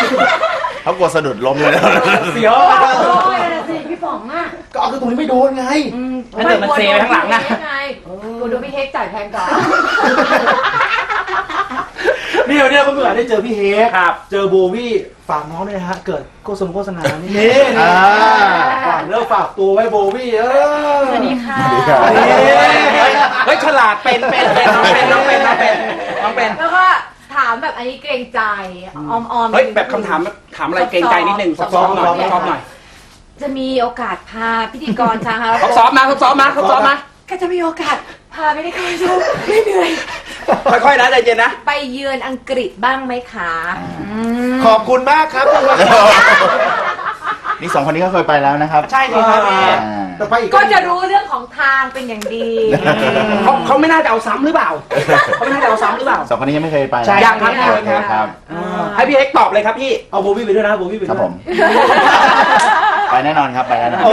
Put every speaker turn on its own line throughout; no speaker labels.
เขากลัวสะดุดล้มเลยนะ
เสียว
โอ้ยนะสิพี่ป๋องอ่ะ
ก็เอากระตุ้นไม่โดนไง
ถ้าเกิดมันเซไปข้างหลังอะ
กูดูพี่เฮกจ่ายแพงก่อน
เนี่ยวันนี้ก็เพิ่งได้เจอพี่เฮก
ครับ
เจอโบวี่ฝากน้องด้วยนะฮะเกิดโฆษณานี่ฝากเลิกฝากตัวไว้โบวี่
สวัสดีค่ะ
เฮ้ยฉลาดเป็นน้องเป็น
แล้วก็ถามแบบอันนี้เกรงใจออม
เฮ้ยแบบคำถามอะไรเกรงใจนิดนึงซอฟๆหน่อย
จะมีโอกาสพาพิธีกรชาฮา
ทดสอบมา
ก็จะมีโอกาสพาไม่ได้เข้าชมไม่เหนื่อย
ค่อยๆนะใจเย็นนะ
ไปเยือนอังกฤษบ้างไหมคะ
ขอบคุณมากครับ
นี่2 คนนี้ก็เคยไปแล้วนะครับ
ใช่สิครับพี่
แต่ไปอีก
ก็จะรู้เรื่องของทางเป็นอย่างดี
เขาไม่น่าจะเอาซ้ำหรือเปล่าเขาไม่น่าจะเอาซ้ำหรือเปล่า
2 คนนี้ยังไม่เคยไป
ใช่ยังครับ
ครับ
ให้พี่เอ็กตอบเลยครับพี่
เอาโบวี่ไปด้วยนะโบวี่ไป
ค
ด้
รั
ว
บ
ย
ผม ไปแน่นอนครับไปแน่นอน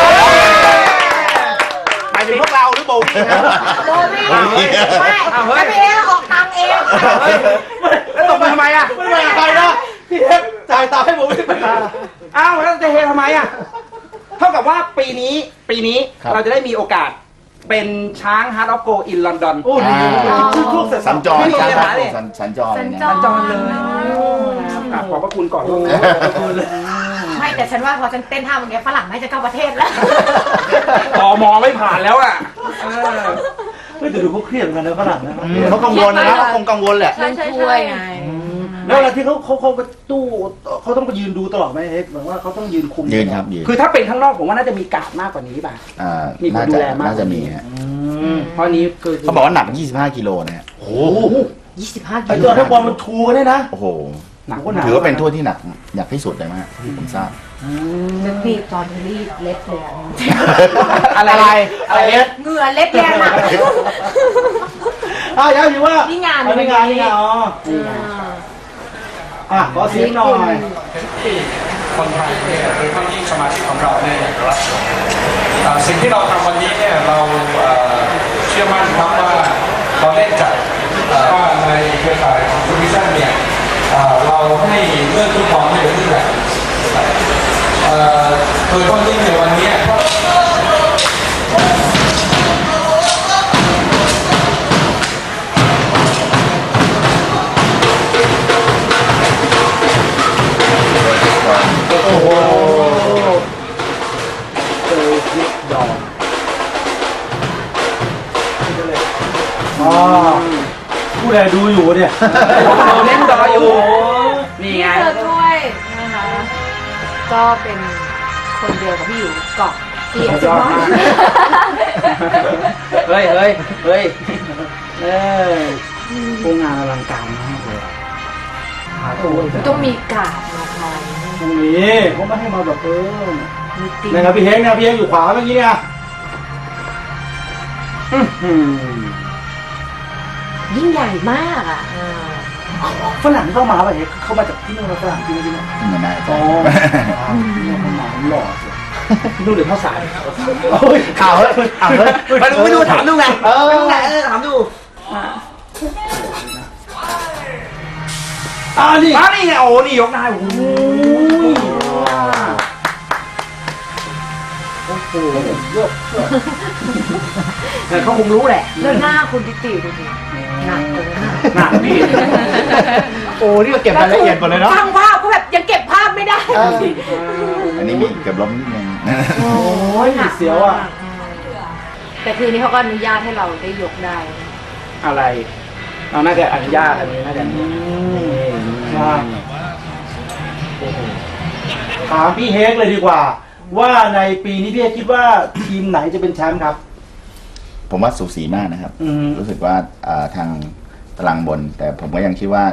หมายถึงพวกเราหรือโบวี่ครับ
โดนไม่ได้ไม่จะไปเองออกตังเอง
แล้วตกมาทำไมอ่ะ
ไม่ได้ไปนะพี่เฮกจ่ายตาให้โบวี่ไปนะ
อ้าวแล้วจะเฮทำไมอ่ะเท่ากับว่าปีนี้เราจะได้มีโอกาสเป็นช้างฮาร์ดออฟโกอินลอนดอน
โอ้โหชื่อพวกเสร็จ
สัญจร
ไม่มี
ช้าง
ปัญ
พั
หา
ด
เลย
สัญจร
สัญ
เนี่ย
จ
จอนเลยขอบพระคุณก่อน
ไม่แต่ฉันว่าพอฉันเต้นท่าเมื่อกี้ฝรั่งน่าจะเข้าประเทศแล้ว
ต่อมอไม่ผ่านแล้วอ่ะ
ไม่แต่ดูเขาเครียดเหมือนกันนะฝรั่งนะ
เขากังวลนะเขาคงกังวลแหละ
เรื่องช่วยไง
แล้วเวลาที่เขาไปตู้เขาต้องไปยืนดูตลอดไหมเฮกเหมือนว่าเขาต้องยืนคุม
ยืนครับยืน
คือถ้าเป็นข้างนอกผมว่าน่าจะมีการ์ดมากกว่านี้ป่ะ มีคนดูแลมาก
น่าจะมีฮะ
เพราะนี้คือ
เขาบอกว่าหนัก 25 กิโลนะฮะ
โอ้โห
25
ไอ้
กิ
ตั
โล
วนักบอลมันชูกันได้นะ
โอ้โห
หนัก
ถือว่าเป็นถ้วยที่หนักที่สุดเลยมั้งที่ผมทราบ
จะปีบตอนรีดเล็ดเลย
อะไรเอส
เหงื่อเล็ดแรงมาก
ย้ำอยู่ว่า
นี่งาน
นี่งานอ๋อขอเสียงหน่อย
คนไทยเนี่ยโดยเฉพาะยิ่งสมาชิกของเราเนี่ยอย่างรัฐสิ่งที่เราทำวันนี้เนี่ยเราเชื่อมั่นครับว่าเราได้จัดว่าในเครือข่ายของทูริซัมเนี่ยเราให้เรื่องทุกความเป็นเรื่องแบบโดยเฉพาะยิ่งในวันนี้
โอ้โหเจอคลิปดอกผู้ใดดูอยู่เนี่ย
เราเล่นดออยู่นี่ไง
เธอด้วยนะคะก็เป็นคนเดียวกับพี่อยู่เกาะที่อา
สุดยอดมาก เฮ้ยโรงงานอลังการมากเลยหาตัว
ต้องมีกาดมาคอย
ตรงนี้เขาไม่ให้มาแบบ
มีตี
นะครับพี่เฮงนะพี่เฮงอยู่ขวาเมื่อกี้เนี่ย
ยิ่งใหญ่มากอ่ะ
ฝรั่งเข้ามาป่ะเฮงเข้ามาจากที่นู่นฝรั่งที่นี่
ไม่น่า
อ๋
จะ
อเนี่ยมันหนาหล่อนู่นเดี๋ยวเข้าสาย
ข่าวเฮ้ย
ไม่ดูถามดูไงถามดู นี่ไงโอ้นี่ยกได้โอ้โห
เยอะ
แต่เขาคงรู้แหละ
แล้วหน้าคุณติติดูดิหนักเลย
หนักพี่
โอ้นี่ก็เก็บรายละเอียดหมดเลยเนาะ
ช่างภาพก็แบบยังเก็บภาพไม่ได้
อันนี้มีเกือบล้มนิดนึง
โอ้ยเสียวอ่ะ
แต่คืนนี้เขาก็อนุญาตให้เราได้ยกได้
อะไรเราน่าจะอนุญาตอันนี้น่าจะ
ถามพี่เฮกเลยดีกว่า ว่าในปีนี้พี่เฮกคิดว่าทีมไหนจะเป็นแชมป์ครับ
ผมว่าสูสีมากนะครับ รู้สึกว่าทางตารางบน แต่ผมก็ยังคิดว่า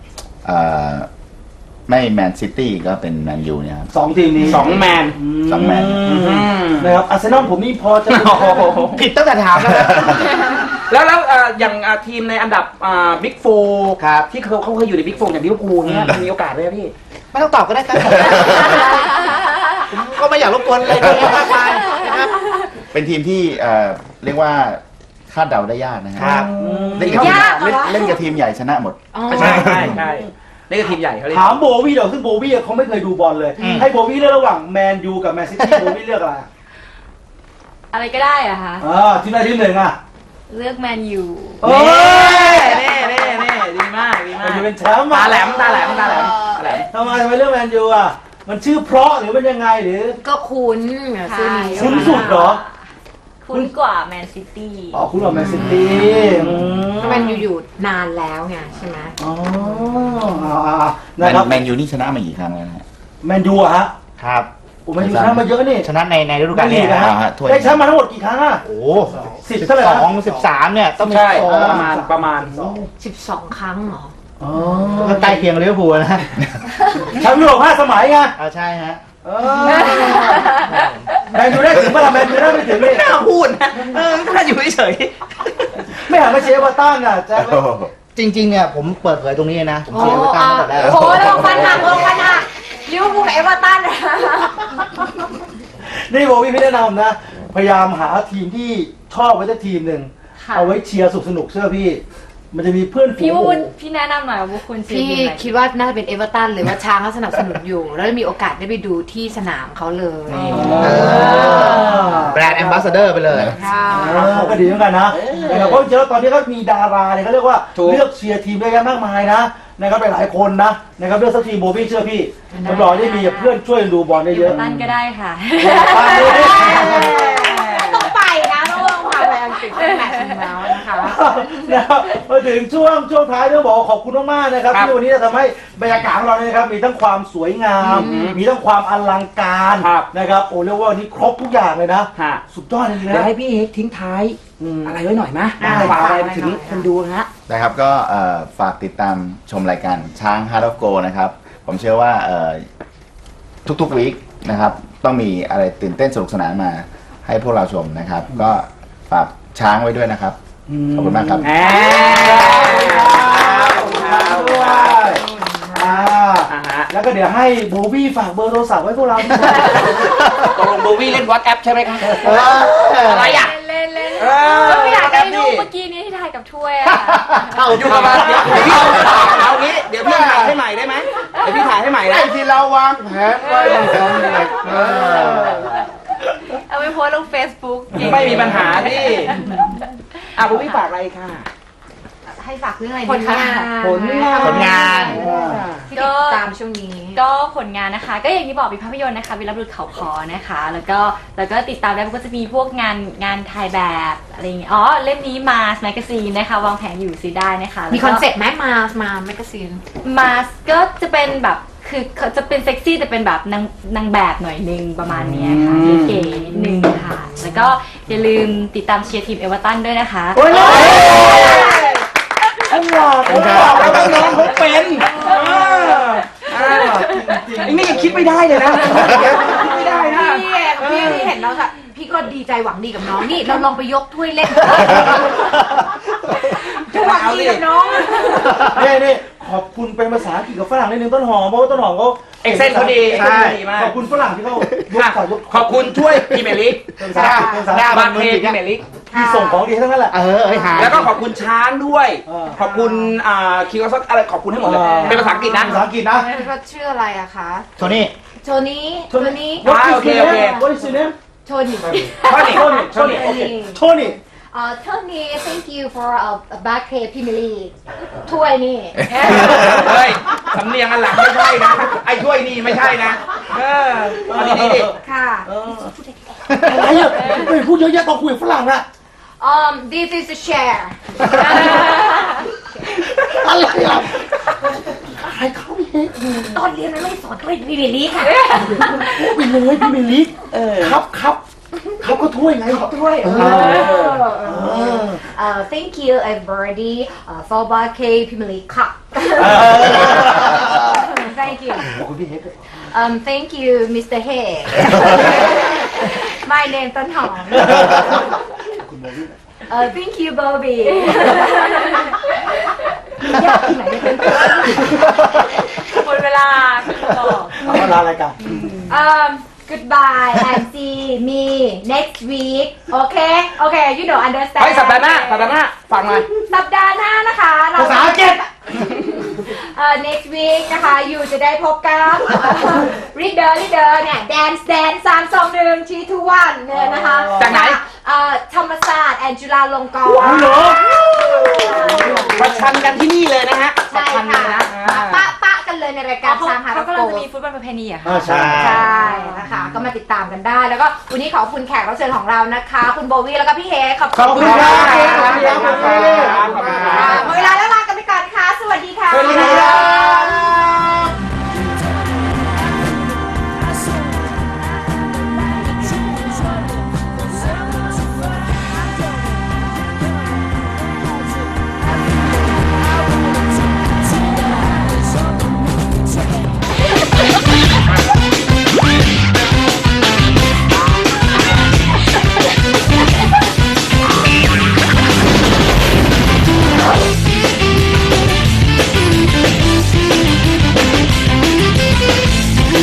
ไม่แมนซิตี้ก็เป็นแมนยูเนี่ยครับ
สองทีมนี้
2 แมน
สองแมน
นะครับอาร์เซนอลผมนี่พอจะ
ผิดตั้งแต่ถามแล้วแล้วอย่างทีมในอันดับบิ๊กโฟครับที่เขาเคยอยู่ในบิ๊กโฟอย่างลิเวอร์พูลเนี่ยมีโอกาสไหมพี่ไม่ต้องตอบก็ได้ครับผมก็ไม่อยากรบกวนอะไรมากมายนะครับ
เป็นทีมที่เรียกว่าคาดเดาได้ยากนะครับ
ครับ
เล่นกับทีมใหญ่ชนะหมด
ใช่นี่คือทีมใหญ่เขาเรียก
ถามโบวี่เดี๋ยวซึ่งโบวี่เขาไม่เคยดูบอลเลย ให้โบวี่เลือกระหว่างแมนยูกับแมนซิตี้โบวี่เลือกอะไร
อะไรก็ได้อะคะ
ทีมใดทีมหนึ่งอ่ะ
เลือกแมนยู
เอ้ย
นี่ดีมาก
แมนยูเป็นแชมป์
ตาแหลม
ทำไมเลือกแมนยูอ่ะมันชื่อเพราะหรือมันยังไงหรือ
ก็คุ้นชื่อนี้
คุ้นสุดเหรอ
คุ้นกว่าแมนซิตี้
อ๋อคุณกับแมนซิตี้
ก็มันอยู่นานแล้วไงใช่ไหม
อ๋อนะครับ
แมนยูนี่ชนะมากี่ครั้งแล้วนะฮะ
แมนยูอะฮะ
ครับ
โอ้แมนยูชนะมาเยอะนี่
ชนะในฤดูกาลนี้
นะ
นะ
ฮะ
ฮะ
ถ้วย
ได้แชมป์มาทั้งหมดกี่ครั้งอ่ะ
โอ้
10เท่าไหร่
12 13เนี่ยต้องมี
ใช่
โอ้
ประมาณ
12 ครั้งเหรอ
อ๋อ
ก็ใกล้เคียงลิเวอร์พูลนะ
แชมป์ยุโรป5 สมัยไง
เอาใช่ฮะ
แมนยูได้ถึงเมื่อไหร่แมนยูได้ไม่ถึงเลย
น่าพูดนะน่าอยู่เฉย
ไม่หันมาเชียร์เอเวอร์ตันอ่ะแจ็ค
โอ้โห
จริงๆเนี่ยผมเปิดเผยตรงนี้นะ ผมเชียร์เอเวอร์ตันตั้งแต่แรก
โอ้โหลงฟันหักลิเวอร์พูลกับเอเวอร์ตันนะ
นี่โบวี่พี่แนะนำนะ พยายามหาทีมที่ชอบไว้สักทีมหนึ่ง
ค่ะ
เอาไว้เชียร์สนุกเชื่อพี่ มันจะมีเพื่อนฝู
พี่
ง
วุฒิพี่แนะนำหน่อยว่าคุณเชียร์
พี่
ทีมไหน
คิดว่าน่าจะเป็นเอเวอร์ตันเลยว่าช้างเขาสนับสนุนอยู่ แล้วมีโอกาสได้ไปดูที่สนามเขาเลย
แบรนด์แอมบาสเดอร์ไปเลย
ค่ะ
ก็ดีเหมือนกันนะนะครับเพราะจริงๆแล้วตอนนี้ก็มีดาราเนี่ยเขาเรียกว่าเลือกเชียร์ทีมได้กันมากมายนะนะครับหลายๆคนนะนะครับเลือกสักทีมโบวี่เชื่อพี่รับรองได้มีเพื่อนช่วยดูบอลได้
เอ
เย
เวอ
อะ
ร์ตันก็ได้ค่ะ
ต้องไปนะต้องลงพาไปอังกฤษแมตช์นึงแล้วนะคะ
นะครับมาถึงช่วงท้ายต้องบอกขอบคุณมากๆนะครับที่วันนี้จะทำให้บรรยากาศของเราเนี่ยนะครับมีทั้งความสวยงาม มีทั้งความอลังการนะครับโอ้เรียกว่าวันนี้ครบทุกอย่างเลยนะ
ๆฮะ
สุดยอดเลย
เดี๋ยว
นะ
ให้พี่เอกทิ้งท้าย อะไรไว้หน่อยไหม
ได้
ฝากอะไร
ได้
ถึงคนดูนะฮะ
นะครับก็ฝากติดตามชมรายการช้าง Heart of Go นะครับ ผมเชื่อว่าทุกๆวีคนะครับต้องมีอะไรตื่นเต้นสนุกสนานมาให้พวกเราชมนะครับ ก็ฝากช้างไว้ด้วยนะครับ ขอบคุณมากครับ
ด้วย
ฮะ
แล้วก็เดี๋ยวให้โบวี่ฝากเบอร์โทรศัพท์ไว้พวกเราด้วย
ตกลงโบวี่เล่นวอทแอปใช่ไหมครับ
อะไรอ่ะ เล่นก็ไม่อยากได้รูปเมื่อกี้นี้ที่ถ่ายกับถ้วยอะ
อยู่ประมาณเดี๋ยวพี่เอางี้เดี๋ยวพี่ถ่ายให้ใหม่ได้ไหมเดี๋ยวพี่ถ่ายให้ใหม่นะ
ที่เราวางแผนไว้มันสำเร็จ
เอาไปโพสต์ลง Facebook
ไม่มีปัญหาพี่โบวี่ฝากอะไรค่ะ
ให้ฝากเรื่องอะไร
ผ
ดี
ลงาน
ผลงาน
ที่ติดตามช่วงนี้
ก็ผลงานนะคะ ก็อย่างที่บอกมีภาพยนตร์นะคะวิลบุรุษเขาคอนะคะ แล้วก็ติดตามได้มันก็จะมีพวกงานถ่ายแบบอะไรอย่างเงี้ยอ๋อเล่มนี้มาสแมกกาซีนนะคะวางแผนอยู่ซื้อได้นะคะ
มีคอนเซ็ปต์ไหมมาแมกกาซีน
มาสก็จะเป็นแบบคือเขาจะเป็นเซ็กซี่แต่เป็นแบบนางแบบหน่อยนึงประมาณเนี้ยค่ะเก๋ๆนิดนึงค่ะ แล้วก็อย่าลืมติดตามเชียร์ทีมเอเวอร์ตันด้วยนะคะ
ผมบอกแล้วว่าน้องเขาเป็นไอ้นี่ยังคิดไม่ได้เลยนะคิดไม่ได้นะ
พี่เห็นแล้วค่ะพี่ก็ดีใจหวังดีกับน้องนี่เราลองไปยกถ้วยเล่นหวังดีกับน้อง
นี่ขอบคุณเป็นภาษาอังกฤษกับฝรั่งนิดนึงต้นหอมเพราะว่าต้นหอมเขา
เอ็กเซนเขาดี
ใช่
ดีมาก
ขอบคุณฝรั่งที่เขายก
ขอบคุณช่วยพรีเมียร์ลีก
เป็นภาษาอังกฤษเป็นภาษาอังกฤษ
บางเพลงพรีเมียร์ลีก
ที่ส่งของดีทั้งนั้นแหละ
หาย
แล้วก็ขอบคุณช้างด้วย
เออ
ขอบคุณคิวซักอะไรขอบคุณให้หมดเลยเป็นภาษาอังกฤษนะ
ภาษาอังกฤษนะ
ก็ชื่ออะไรอะคะ
โทนี่
โทนี่
โอเค
What is your name
โทนี่
โทนี่
Tony
Tony thank you for back pay Premier League ถ้วยนี่
เฮ้ยสำเนียงอันหลังไม่ใช่นะ ไอ้ช่วยนี่ไม่ใช่นะเอาดีๆดิ
ค่ะ
อะไรอ่ะไม่พูดเยอะแยะต้องคุยกับฝรั่งอะ
this is a share
อะไรอ่ะใครเข้าไปเอง
ตอนเรียนไม่สอนถ้วย Premier League ค่ะ
ไปเลยพี่เมลิกครับเขาก็ถ้วยไงเขาถ้วย
thank you everybody for back pay Premier League Cup thank you
ขอบคุณพี่เฮกด้วย
thank you Mr. Hay my name ต้นหอม thank you Bobby ยากที่ไหนจะเป็นตัว
หมดเวลาบอก
เอาลารายการ
goodbye and see me next week okay you don't understand
เฮ้ยสัปดาห์หน้าฟังหน่อย
สัปดาห์หน้านะคะ
ภาษาอังกฤษ
next week นะคะอยู่จะได้พบกับรีดเดอร์เนี่ย dance 321 321เนี่ยนะคะ
จากไหน
ธรรมศาสตร์แอนจุฬาลงกรณ์
ประชันกันที่นี่เลยนะฮะ
ใช่ค่ะปะกันเลยในรายการช้างฮาร์
เขา
ด
กำ
โก
ลังจะมีฟุตบอลประเพณีเหรอะค่ะ
ใช่
ใช่นะคะก็มาติดตามกันได้ แล้วก็วันนี้ขอบคุณแขกรับเชิญของเรานะคะ คุณโบวี่แล้วก็พี่เฮขอบ
ขอบคุณครับ
หมดเวลาแล้วลากันไปก่อนค่ะ สวัสดีค่ะ
สวัสดีครับ